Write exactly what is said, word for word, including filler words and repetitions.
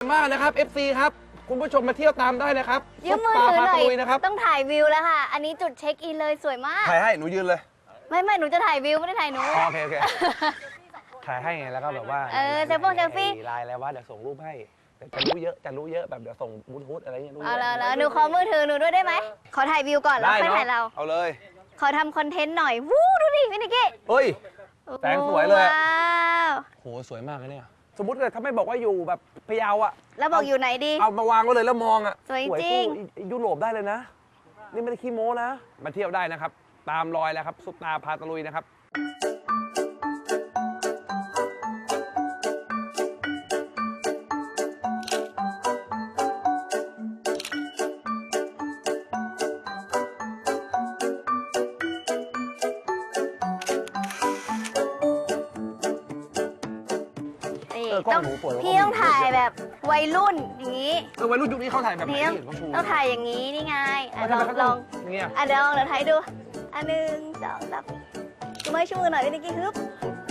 มากนะครับ เอฟ ซี ครับคุณผู้ชมมาเที่ยวตามได้เลยครับยืมมือถือหน่อยนะครับต้องถ่ายวิวแล้วค่ะ อันนี้จุดเช็คอินเลยสวยมากถ่ายให้หนูยืนเลยไม่ไม่หนูจะถ่ายวิวไม่ได้ถ่ายหนูโอเคโอเคถ่ายให้ไงแล้วก็แบบว่าเออเซลฟี่เซลฟี่ไลน์แล้วว่าเดี๋ยวส่งรูปให้แต่จะรู้เยอะจะรู้เยอะแบบเดี๋ยวส่งบลูทูธอะไรเงี้ยรู้เยเอาอะแล้วแล้วหนูขอมือถือหนูด้วยได้ไหมขอถ่ายวิวก่อนแล้วค่อยถ่ายเราเอาเลยขอทำคอนเทนต์หน่อยวู้ดูดิพี่นิกกี้เฮ้ย แสงสวยเลยว้าวโหสวยมากเลยเนี่ยสมมติเลยถ้าไม่บอกว่าอยู่แบบพะเยาอะแล้วบอกอยู่ไหนดีเอามาวางไว้เลยแล้วมองอะสวยจริงสู้ยุโรปได้เลยนะ นี่ไม่ได้ขี้โม้นะ มาเที่ยวได้นะครับ ตามรอยแล้วครับซุปตาพาตะลุยนะครับนี่เออกล้ต้ออง งหนูสวยกว่าพี่ต้องถ่ายแบบวัยรุ่นอย่างนี้เออวัยรุ่นยุคนี้เขาถ่ายแบบไหนนี่ต้องเห็นเขาชูต้องถ่ายอย่างนี้นี่ไงอ่ะเขาลทำองไมเขาลต้ออง งเนี่ยอ่ะเดี๋ยวลองเดี๋ยวถ่ายดูอันหนึ่งสองสามชูมือชูมือหน่อยพี่นิกกี้ฮึบ